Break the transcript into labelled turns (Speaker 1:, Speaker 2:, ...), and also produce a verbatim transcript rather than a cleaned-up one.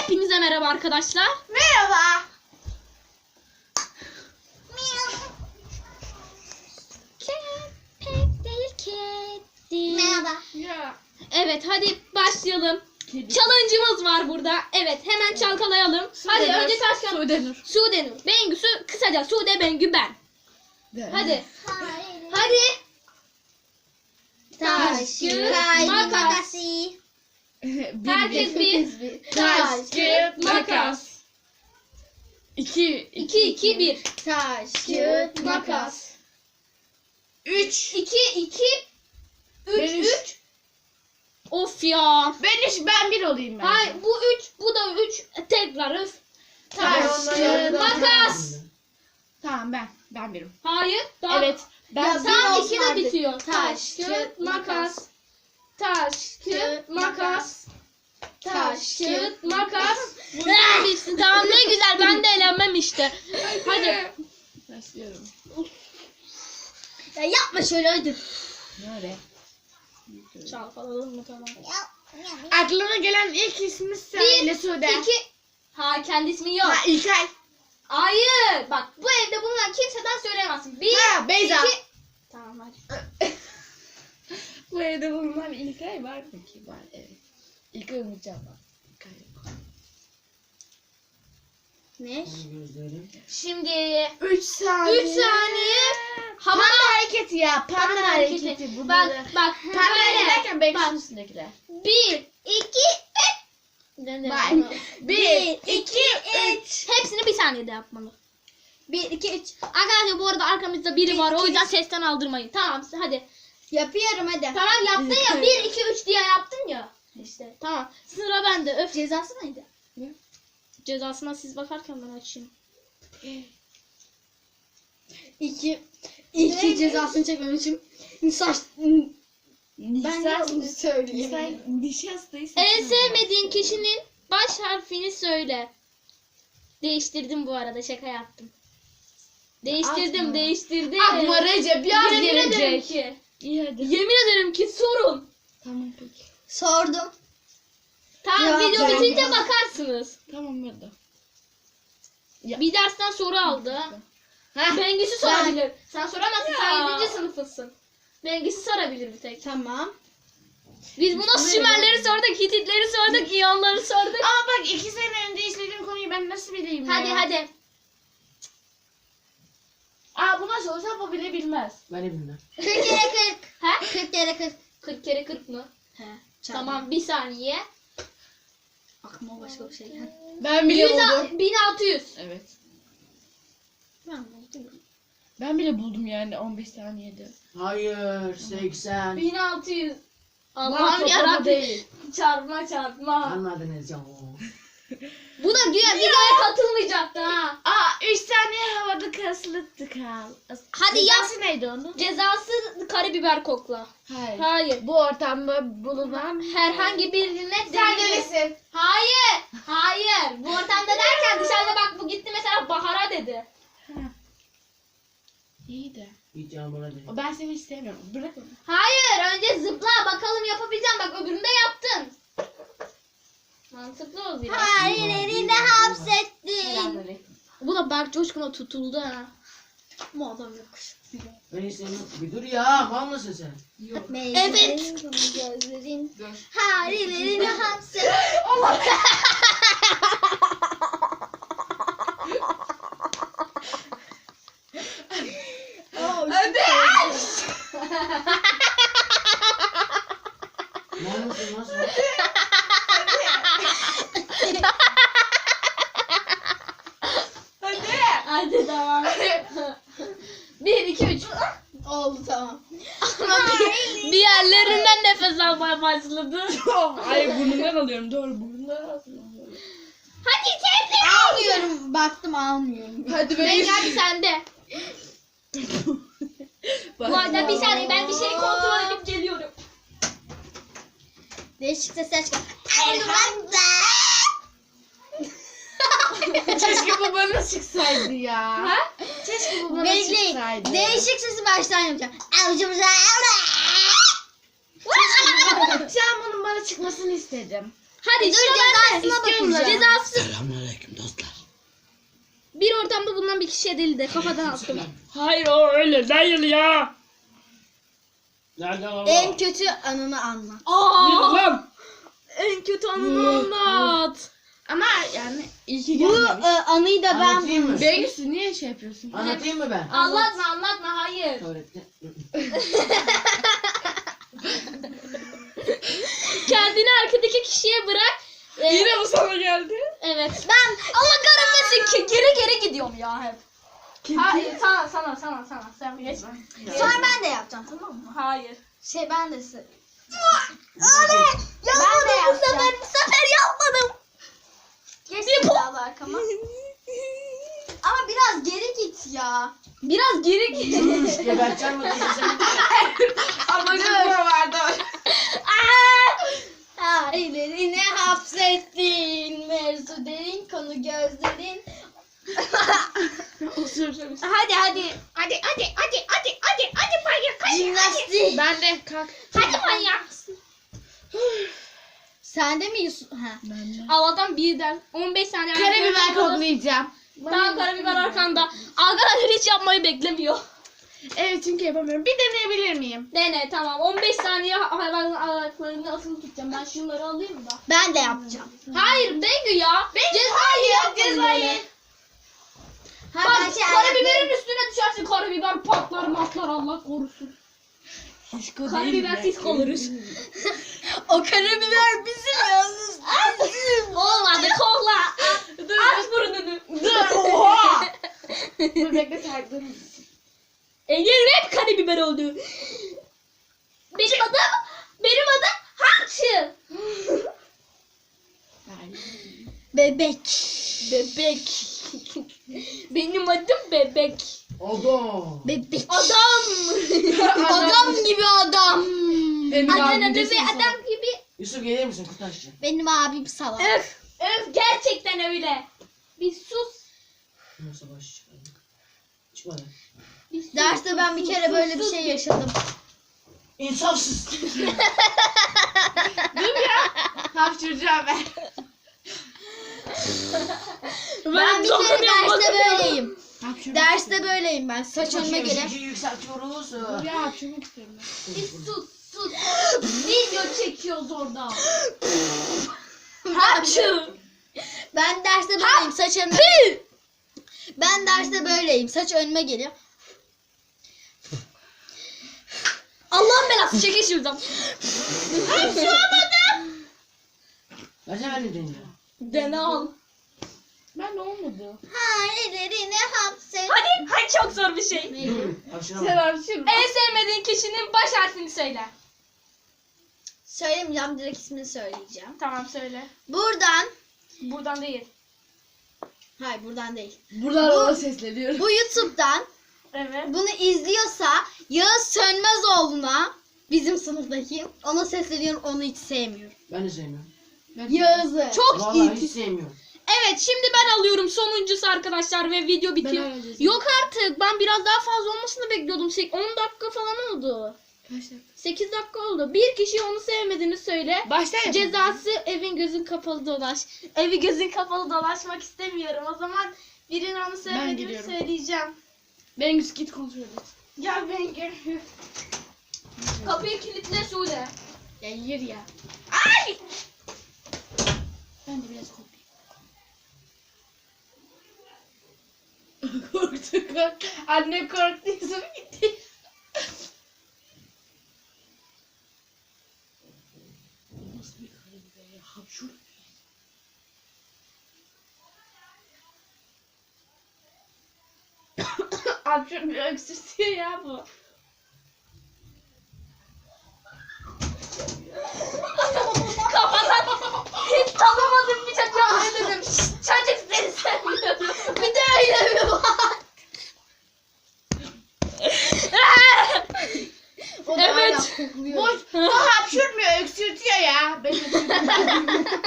Speaker 1: Hepinize merhaba arkadaşlar.
Speaker 2: Merhaba.
Speaker 1: Köpek değil kedi.
Speaker 2: Merhaba.
Speaker 3: Ya.
Speaker 1: Evet hadi başlayalım.
Speaker 3: Kedi.
Speaker 1: Challenge'ımız var burada. Evet hemen çalkalayalım. Hadi
Speaker 3: Sudenur,
Speaker 1: önce taş kağıt.
Speaker 3: Sudenur.
Speaker 1: Sudenur. Bengüsü kısaca Sude Bengü ben.
Speaker 3: De.
Speaker 1: Hadi.
Speaker 2: Hayır.
Speaker 1: Hadi.
Speaker 2: Taş,
Speaker 1: kağıt,
Speaker 2: kağıt,
Speaker 1: makas.
Speaker 2: makas.
Speaker 3: bir,
Speaker 1: Herkes bir.
Speaker 2: bir.
Speaker 3: Taş, kağıt,
Speaker 1: makas.
Speaker 3: makas. İki.
Speaker 1: iki iki bir.
Speaker 2: Taş, kağıt, makas.
Speaker 3: Üç.
Speaker 1: iki iki üç
Speaker 3: Ben üç.
Speaker 1: üç. Of ya.
Speaker 3: Ben üç, ben bir olayım ben.
Speaker 1: Hayır bu üç bu da üç. Tekrar öf.
Speaker 3: Taş,
Speaker 1: Taş,
Speaker 3: kağıt,
Speaker 1: makas.
Speaker 3: Tamam ben. Ben birim.
Speaker 1: Hayır. Daha...
Speaker 3: Evet. Ben
Speaker 2: Ya,
Speaker 1: Tam
Speaker 2: bir
Speaker 1: iki de
Speaker 2: olsun
Speaker 1: bitiyor.
Speaker 2: artık.
Speaker 1: Taş, kağıt, makas. Taş, kağıt, makas. Taş, kağıt, makas. Bunlar bitsin. Tamam ne güzel. Ben de eğlenmem işte. Hadi.
Speaker 3: başlıyorum.
Speaker 2: Ya yapma şöyle hadi.
Speaker 3: Nerede?
Speaker 1: Çalkalalım mı tamam.
Speaker 3: Aklına gelen ilk ismi söyle Sude.
Speaker 1: İki. Ha kendi ismi yok.
Speaker 3: Ha İlkay.
Speaker 1: Hayır. Bak bu evde bulunan kimseden söyleyemezsin. Bir,
Speaker 3: Ha Beyza.
Speaker 1: iki. Tamam hadi.
Speaker 3: Bu evde bulunan İlkay var mı ki? Var evet. İlkay Umutcan var. İlkay yok.
Speaker 2: Ne?
Speaker 1: Şimdi
Speaker 3: Üç saniye.
Speaker 1: üç saniye.
Speaker 3: Panda
Speaker 1: Hava
Speaker 3: hareketi ya. Panda,
Speaker 1: Panda
Speaker 3: hareketi.
Speaker 1: hareketi.
Speaker 3: Bunları.
Speaker 1: Bak bak.
Speaker 3: Panda
Speaker 1: böyle.
Speaker 3: derken benim
Speaker 1: Bak.
Speaker 3: üstündekiler.
Speaker 1: Bir, iki, üç. Ne
Speaker 3: Bak.
Speaker 1: demek?
Speaker 3: Bir, iki, üç.
Speaker 1: Hepsini bir saniyede yapmalı.
Speaker 2: Bir, iki, üç.
Speaker 1: Arkadaşlar bu arada arkamızda biri
Speaker 2: Bir,
Speaker 1: var. O
Speaker 2: iki,
Speaker 1: yüzden sesten aldırmayın. Tamam hadi.
Speaker 2: Yapıyorum hadi.
Speaker 1: Tamam yaptın ya. Bir, iki, üç diye yaptın ya. İşte tamam. Sıra bende. Öf.
Speaker 2: Cezası neydi?
Speaker 1: Cezasına siz bakarken ben açayım.
Speaker 2: İki. İki cezasını çekmem için saç... Ben
Speaker 3: Sen
Speaker 2: de söyleyeyim.
Speaker 3: Sen nişastayı
Speaker 1: En sevmediğin kişinin baş harfini söyle. Değiştirdim bu arada. Şaka yaptım. Değiştirdim,
Speaker 3: Atma.
Speaker 1: değiştirdim.
Speaker 3: Akma Recep yaz
Speaker 1: Yemin ederim
Speaker 3: gelecek.
Speaker 1: ki.
Speaker 3: İyi hadi.
Speaker 1: Yemin ederim ki sorun.
Speaker 3: Tamam peki.
Speaker 2: Sordum.
Speaker 1: Tamam
Speaker 2: Ya,
Speaker 1: video
Speaker 2: ben-
Speaker 1: bitince bakarsınız.
Speaker 3: Tamam hadi. Ya.
Speaker 1: Bir dersten soru aldı.
Speaker 3: Heh.
Speaker 1: Bengüsü sorabilir. Sen soramazsın. Sen
Speaker 3: Ya.
Speaker 1: yedinci sınıfısın. Bengüsü sorabilir bir tek.
Speaker 2: Tamam.
Speaker 1: Biz buna Sümerleri sorduk, Hititleri sorduk, İyonları sorduk.
Speaker 3: Ama bak iki sene önce işlediğim konuyu ben nasıl bileyim
Speaker 1: Hadi
Speaker 3: ya?
Speaker 1: hadi.
Speaker 3: Aa buna sorsam o bile bilmez.
Speaker 4: Ben de bilmem.
Speaker 2: kırk kere kırk.
Speaker 1: He?
Speaker 2: kırk kere kırk.
Speaker 1: kırk kere kırk mı?
Speaker 2: He.
Speaker 1: Tamam bir saniye.
Speaker 2: Aklıma başka bir şey geldi.
Speaker 3: Ben bile
Speaker 1: Yüz-
Speaker 3: buldum.
Speaker 1: bin altı yüz.
Speaker 3: Evet.
Speaker 2: Ben buldum.
Speaker 3: Ben bile buldum yani on beş saniyede.
Speaker 4: Hayır, seksen.
Speaker 1: bin altı yüz.
Speaker 3: Bunlar
Speaker 1: Allah'ım
Speaker 3: toplama
Speaker 1: yarabbim.
Speaker 3: değil.
Speaker 1: Çarpma çarpma.
Speaker 4: Anladınız ya.
Speaker 1: Bu da güya videoya katılmayacaktı ha.
Speaker 3: Aa üç saniye havada kasılıktı kal.
Speaker 1: Hadi yap.
Speaker 3: Cezası neydi onun?
Speaker 1: Cezası karabiber kokla.
Speaker 3: Hayır.
Speaker 1: Hayır.
Speaker 3: Bu ortamda bulunan
Speaker 1: Herhangi birine
Speaker 3: Sen
Speaker 1: değil.
Speaker 3: öylesin.
Speaker 1: Hayır. Hayır. Bu ortamda derken dışarıda bak bu gitti mesela Bahar'a dedi.
Speaker 3: İyi de.
Speaker 4: Hiç yağmura değil.
Speaker 3: Ben seni istemiyorum. Bırak onu.
Speaker 1: Hayır. Önce zıpla bakalım yapabileceğim. Bak öbüründe yaptın. Mantıklı ol biraz.
Speaker 2: Hayır elinde hapsettin.
Speaker 3: Selamünaleyküm.
Speaker 1: Bu da Berk Coşkun'a tutuldu ha.
Speaker 2: Bu adam yokuş.
Speaker 4: Ben istemiyorum. Bir dur ya, mal mısın sen?
Speaker 3: Yok.
Speaker 2: Evet. Gözlerin.
Speaker 3: Dur.
Speaker 2: Hayır elinde hapsettin.
Speaker 3: Hadi.
Speaker 4: Mal mısın nasıl?
Speaker 3: Hadi.
Speaker 1: Hadi tamam. Bir, iki, üç.
Speaker 2: Oldu tamam.
Speaker 1: Bir yerlerinden nefes almaya başladı.
Speaker 3: Hayır burnundan alıyorum. Doğru burnundan alıyorum.
Speaker 1: Hadi sen de.
Speaker 2: Almıyorum. Baktım almıyorum.
Speaker 3: Hadi
Speaker 1: Ben hadi sende. Bu arada bir saniye ben bir şeyi kontrol edip geliyorum.
Speaker 2: Değişik sesler çıkar.
Speaker 3: Keşke bu bana çıksaydı ya.
Speaker 1: Ha?
Speaker 3: Keşke bu bana
Speaker 2: Bekleyin.
Speaker 3: çıksaydı.
Speaker 2: Değişik sesi baştan yapacağım.
Speaker 3: Şu an bunun bana çıkmasını istedim.
Speaker 1: Hadi
Speaker 2: Dur
Speaker 1: sıra bende.
Speaker 2: cezasına bakacağım.
Speaker 1: Cezası
Speaker 4: Selamünaleyküm dostlar.
Speaker 1: bir ortamda bulunan bir kişiye değil de kafadan attım.
Speaker 3: Hayır o öyle değil ya.
Speaker 4: Nerede o?
Speaker 2: En kötü anını anlat.
Speaker 1: Aa,
Speaker 3: Lan.
Speaker 1: en kötü anını anlat.
Speaker 3: Ama yani iyi ki
Speaker 2: Bu
Speaker 3: gelmemiş.
Speaker 2: e, anıyı da ben
Speaker 4: Anlatayım mı?
Speaker 3: Bengüsü niye şey yapıyorsun?
Speaker 4: Anlatayım mı ben?
Speaker 1: Anlatma anlatma hayır.
Speaker 4: Tuvalette.
Speaker 1: Kendini arkadaki kişiye bırak. Ee,
Speaker 3: Yine bu sana geldi.
Speaker 1: evet. Ben Allah kahretmesin ki geri geri gidiyorum ya hep. Hayır sana sana sana sana sen geç.
Speaker 2: Sonra ben de yapacağım, tamam mı?
Speaker 1: Hayır.
Speaker 2: Şey ben de sı- Oley! Ben de yapacağım. Bu sefer, bu sefer yapmadım. Geç silahlı arkama. Ama biraz geri git ya.
Speaker 1: Biraz geri git.
Speaker 4: Dur, geberteceğim mi kızı seni?
Speaker 3: Ama burada vardı.
Speaker 2: Ailerini hapsettin. Mevzu derin, konu gözlerin.
Speaker 3: Osuracağım.
Speaker 1: Hadi hadi. Hadi hadi hadi hadi hadi hadi manyak.
Speaker 2: Jimnastik.
Speaker 3: Ben de kalk.
Speaker 1: Hadi manyak.
Speaker 2: Sende mi Yusuf? Ha.
Speaker 3: Ben de.
Speaker 1: Allah'tan birden on beş saniye.
Speaker 3: Karabiber koklayacağım.
Speaker 1: Tamam karabiber arkanda. Arkadaşlar hiç yapmayı beklemiyor.
Speaker 3: Evet çünkü yapamıyorum. Bir deneyebilir miyim?
Speaker 1: Dene tamam on beş saniye hayvanın ayaklarını asılı tutacağım. Ben şunları alayım da.
Speaker 2: Ben de yapacağım.
Speaker 1: Hayır Bengü ya. Cezayı yap cezayı.
Speaker 2: Ha,
Speaker 1: Bak
Speaker 2: ben şey
Speaker 1: karabiberin üstüne düşersin karabiber patlar matlar Allah korusun. Karabibersiz kalırız.
Speaker 2: O karabiber bizim yalnız. Bizim.
Speaker 1: Olmadı kokla. Aç burnunu.
Speaker 3: Dur oha. Dur bekle takdim.
Speaker 1: Engin hep karabiber oldu. Benim adım, benim adım Hamçı.
Speaker 2: Bebek.
Speaker 1: Bebek. Benim adım Bebek.
Speaker 4: Oldu.
Speaker 2: Bebek.
Speaker 1: Adam.
Speaker 2: Adam gibi adam.
Speaker 3: Benim
Speaker 1: Adın
Speaker 3: abim
Speaker 1: adı
Speaker 3: desin
Speaker 1: ve
Speaker 3: sana.
Speaker 1: adam gibi.
Speaker 4: Yusuf gelir misin kurtaşçı?
Speaker 2: Benim abim salak.
Speaker 1: Öf. Öf gerçekten öyle. Bir sus.
Speaker 4: Nasıl baş çıkardı? Çıkmadı.
Speaker 1: Bir sus.
Speaker 2: Derste ben bir kere böyle bir şey yaşadım.
Speaker 4: İnsafsız.
Speaker 3: Hapşıracağım ben.
Speaker 2: Ben bir kere derste böyleyim.
Speaker 3: Hapşırmak
Speaker 2: Derste böyleyim ben. Saç önüme
Speaker 4: Bakıyoruz,
Speaker 2: gele.
Speaker 4: ikiyi yükseltiyoruz.
Speaker 3: istiyorum. Ya hapşırmak istiyorum ben.
Speaker 1: Bir sus sus. Video çekiyoruz orada.
Speaker 2: Hapşu. Ben derste böyleyim. Saç önüme. Ben derste böyleyim. Saç önüme geliyor.
Speaker 1: Allah'ın belası çekil şuradan.
Speaker 4: Bence ben de deneyeceğim.
Speaker 1: Dene al.
Speaker 3: Ben de olmadı.
Speaker 2: Hayallerini hapset.
Speaker 1: Hadi. Hadi çok zor bir şey.
Speaker 4: Dur.
Speaker 3: Sen
Speaker 4: Hapşıramadım.
Speaker 3: hapşırma.
Speaker 1: En sevmediğin kişinin baş harfini söyle.
Speaker 2: Söylemeyeceğim. Direkt ismini söyleyeceğim.
Speaker 1: Tamam söyle.
Speaker 2: Buradan.
Speaker 1: Buradan değil.
Speaker 2: Hayır buradan değil.
Speaker 3: Buradan
Speaker 2: Bu-
Speaker 3: ona sesleniyorum.
Speaker 2: Bu YouTube'dan
Speaker 1: Evet.
Speaker 2: bunu izliyorsa Yağız Sönmezoğlu'na, bizim sınıftaki, ona sesleniyorum, onu hiç sevmiyorum.
Speaker 4: Ben de sevmiyorum.
Speaker 2: Yağız'ı.
Speaker 1: Çok
Speaker 4: Vallahi
Speaker 1: iyi.
Speaker 4: hiç sevmiyorum.
Speaker 1: Evet şimdi ben alıyorum sonuncusu arkadaşlar ve video bitiyor.
Speaker 3: Ben alacağım.
Speaker 1: Yok artık ben biraz daha fazla olmasını bekliyordum. Sek- on dakika falan oldu.
Speaker 3: Kaç dakika?
Speaker 1: sekiz dakika oldu. Bir kişi onu sevmediğini söyle.
Speaker 3: Baştan yapalım.
Speaker 1: Cezası evin gözün kapalı dolaş. Evi gözün kapalı dolaşmak istemiyorum. O zaman birinin onu sevmediğini
Speaker 3: gidiyorum.
Speaker 1: söyleyeceğim.
Speaker 3: Bengüs git kontrol et.
Speaker 1: Gel ben gel. Kapıyı kilitle Sude.
Speaker 3: Ya yer ya.
Speaker 1: Ay!
Speaker 3: Ben de biraz kopayım. Korktu korktu. Anne korktu. Yusuf gitti. Nasıl bir karabiber ya? Hapşur. Hapşur bir öksürtüyor ya bu.
Speaker 1: Kafadan hiç tanımadığım bir çocuğa ne dedim. "Şşt, çocuk seni sevmiyorum.
Speaker 2: Bir de öyle mi var? O da
Speaker 1: Evet.
Speaker 2: hala kokluyor.
Speaker 3: Boş. Bu hapşurmuyor öksürtüyor ya. Ben öksürtüyorum.